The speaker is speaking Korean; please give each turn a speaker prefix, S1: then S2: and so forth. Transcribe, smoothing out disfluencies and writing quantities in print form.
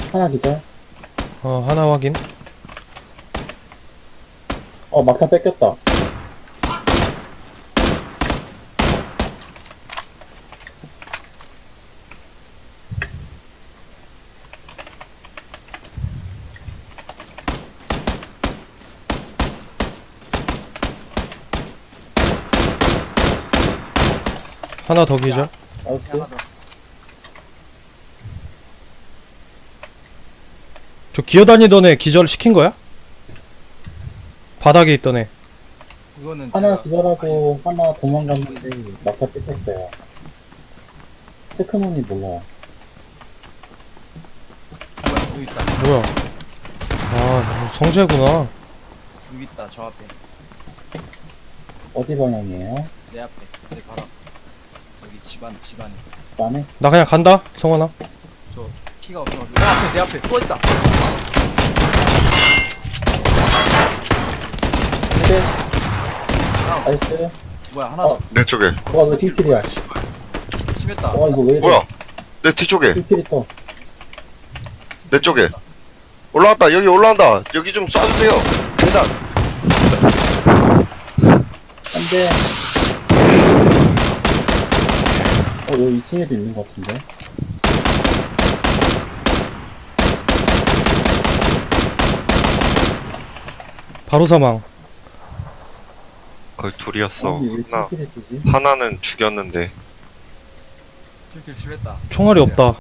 S1: 하나 기절.
S2: 하나 확인.
S1: 막타 뺏겼다.
S2: 하나 더 기절.
S1: 나이스.
S3: 하나 더.
S2: 저 기어다니던 애 기절 시킨 거야? 바닥에 있던 애.
S3: 이거는
S1: 하나
S3: 제가
S1: 기절하고 하나 도망갔는데 막타 뺏겼어요. 체크문이 몰라요.
S3: 뭐야, 여기 있다.
S2: 뭐야? 성재구나.
S3: 여기 있다. 저 앞에.
S1: 어디 방향이에요?
S3: 내 앞에. 내 바로 앞에. 여기 집안에.
S1: 안에?
S2: 나 그냥 간다, 성환아.
S3: 저 피가 없어가지고. 내 앞에. 또 있다.
S1: 근데
S3: 다운.
S1: 나이스.
S3: 뭐야, 하나 더.
S4: 내 쪽에.
S1: 왜 뒷길이야?
S3: 심했다.
S1: 이거 왜 이래?
S4: 뭐야? 내 뒤쪽에.
S1: 뒷길이 또.
S4: 내 쪽에. 올라왔다. 여기 올라온다. 여기 좀 쏴주세요. 계단.
S1: 안 돼. 여기 2층에도 있는 것 같은데?
S2: 바로 사망.
S4: 거의 둘이었어.
S1: 아니, 왜
S4: 하나,
S1: 뒷길에 뜨지?
S4: 하나는 죽였는데.
S3: 킬킬 심했다.
S2: 총알이 없다.